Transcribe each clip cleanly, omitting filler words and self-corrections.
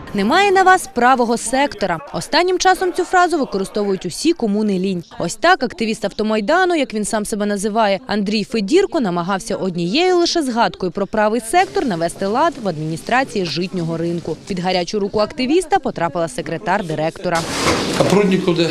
Немає на вас правого сектора. Останнім часом цю фразу використовують усі, кому не лінь. Ось так активіст автомайдану, як він сам себе називає, Андрій Федірко, намагався однією лише згадкою про правий сектор навести лад в адміністрації житнього ринку. Під гарячу руку активіста потрапила секретар директора. А Прудніков де?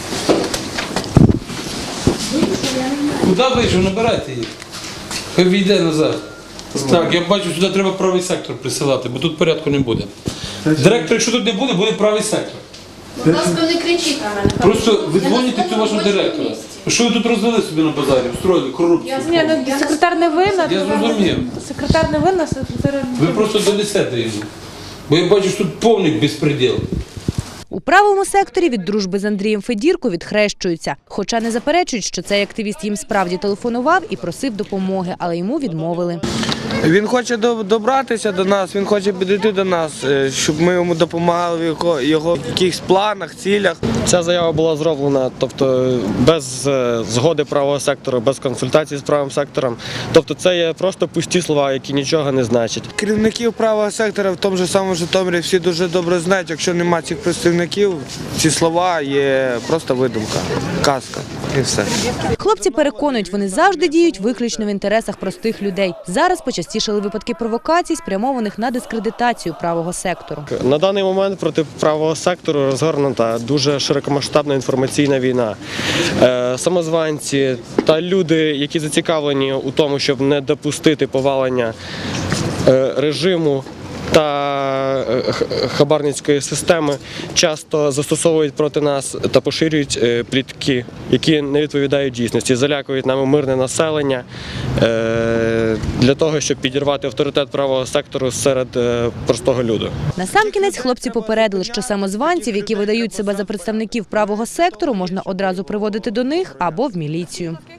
Куди вийшов? Набирайте їх. Хай війде назад. Так, я бачу, сюди треба правий сектор присилати, бо тут порядку не буде. Директор, якщо тут не буде, буде правий сектор. Будь ласка, не кричіть на мене. Просто ви дзвоните цю вашу директора. Що ви тут розвели собі на базарі, устроїли корупцію? Секретар не винна. Я зрозумів. Секретар не винна, секретар... Ви просто донесете йому. Бо я бачу, що тут повний безпреділ. У правому секторі від дружби з Андрієм Федірко відхрещуються. Хоча не заперечують, що цей активіст їм справді телефонував і просив допомоги, але йому відмовили. Він хоче добратися до нас, він хоче підійти до нас, щоб ми йому допомагали в його якихось планах, цілях. Ця заява була зроблена, тобто без згоди правого сектору, без консультації з правим сектором. Тобто це є просто пусті слова, які нічого не значать. Керівників правого сектора в тому ж самому Житомирі всі дуже добре знають, якщо немає цих представників, ці слова є просто видумка, казка і все. Хлопці переконують, вони завжди діють виключно в інтересах простих людей. Зараз почастішали випадки провокацій, спрямованих на дискредитацію правого сектору. На даний момент проти правого сектору розгорнута дуже широкомасштабна інформаційна війна. Самозванці та люди, які зацікавлені у тому, щоб не допустити повалення режиму та хабарницької системи, часто застосовують проти нас та поширюють плітки, які не відповідають дійсності, залякують нами мирне населення для того, щоб підірвати авторитет правого сектору серед простого люду. Насамкінець хлопці попередили, що самозванців, які видають себе за представників правого сектору, можна одразу приводити до них або в міліцію.